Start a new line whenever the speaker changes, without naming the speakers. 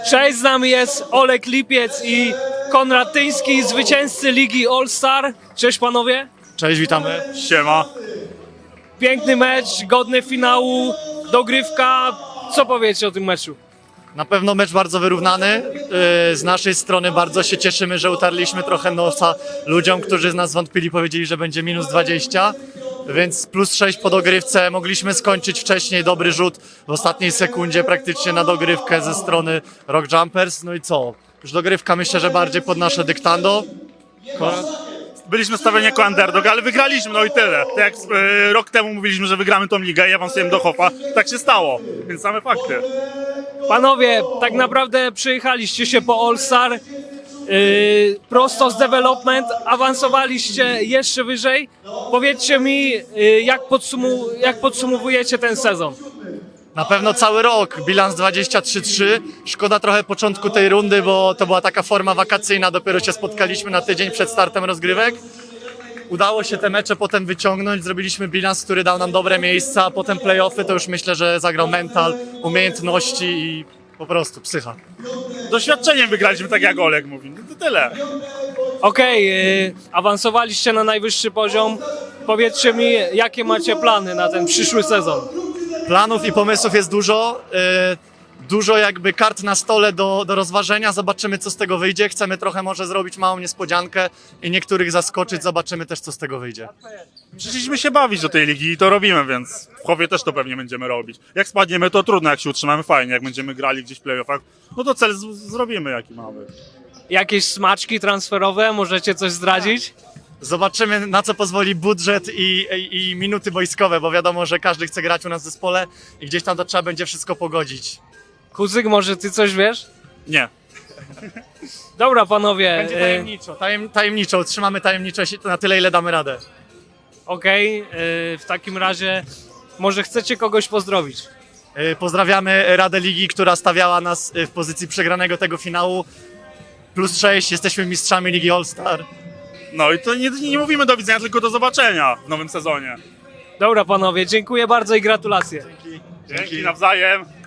Cześć, z nami jest Olek Lipiec i Konrad Tyński, zwycięzcy Ligi All-Star. Cześć panowie.
Cześć, witamy.
Siema.
Piękny mecz, godny finału, dogrywka. Co powiecie o tym meczu?
Na pewno mecz bardzo wyrównany. Z naszej strony bardzo się cieszymy, że utarliśmy trochę nosa ludziom, którzy z nas wątpili, powiedzieli, że będzie minus 20. Więc plus 6 po dogrywce. Mogliśmy skończyć wcześniej, dobry rzut w ostatniej sekundzie praktycznie na dogrywkę ze strony Rock Jumpers. No i co? Już dogrywka myślę, że bardziej pod nasze dyktando.
Byliśmy stawiani jako underdog, ale wygraliśmy, no i tyle. Tak jak rok temu mówiliśmy, że wygramy tą ligę i awansujemy do Hoffa, tak się stało, więc same fakty.
Panowie, tak naprawdę przyjechaliście się po All-Star, prosto z development, awansowaliście jeszcze wyżej. Powiedzcie mi, jak podsumowujecie ten sezon?
Na pewno cały rok, bilans 23-3. Szkoda trochę początku tej rundy, bo to była taka forma wakacyjna, dopiero się spotkaliśmy na tydzień przed startem rozgrywek. Udało się te mecze potem wyciągnąć, zrobiliśmy bilans, który dał nam dobre miejsca, a potem play-offy to już myślę, że zagrał mental, umiejętności i po prostu psycha.
Doświadczeniem wygraliśmy, tak jak Olek mówi, no to tyle.
Okej, awansowaliście na najwyższy poziom. Powiedzcie mi, jakie macie plany na ten przyszły sezon?
Planów i pomysłów jest dużo. Dużo jakby kart na stole do rozważenia. Zobaczymy, co z tego wyjdzie. Chcemy trochę może zrobić małą niespodziankę i niektórych zaskoczyć. Zobaczymy też, co z tego wyjdzie.
Przyszliśmy się bawić do tej ligi i to robimy, więc w Hoffie też to pewnie będziemy robić. Jak spadniemy, to trudno, jak się utrzymamy, fajnie. Jak będziemy grali gdzieś w playoffach, no to cel zrobimy, jaki mamy.
Jakieś smaczki transferowe? Możecie coś zdradzić?
Zobaczymy, na co pozwoli budżet i minuty wojskowe, bo wiadomo, że każdy chce grać u nas w zespole i gdzieś tam to trzeba będzie wszystko pogodzić.
Kuzyk, może ty coś wiesz?
Nie.
Dobra panowie,
Będzie tajemniczo, tajemniczo, trzymamy tajemniczość na tyle, ile damy radę.
okej, w takim razie może chcecie kogoś pozdrowić?
Pozdrawiamy Radę Ligi, która stawiała nas w pozycji przegranego tego finału. Plus 6, jesteśmy mistrzami Ligi All-Star.
No i to nie mówimy do widzenia, tylko do zobaczenia w nowym sezonie.
Dobra panowie, dziękuję bardzo i gratulacje.
Dzięki nawzajem.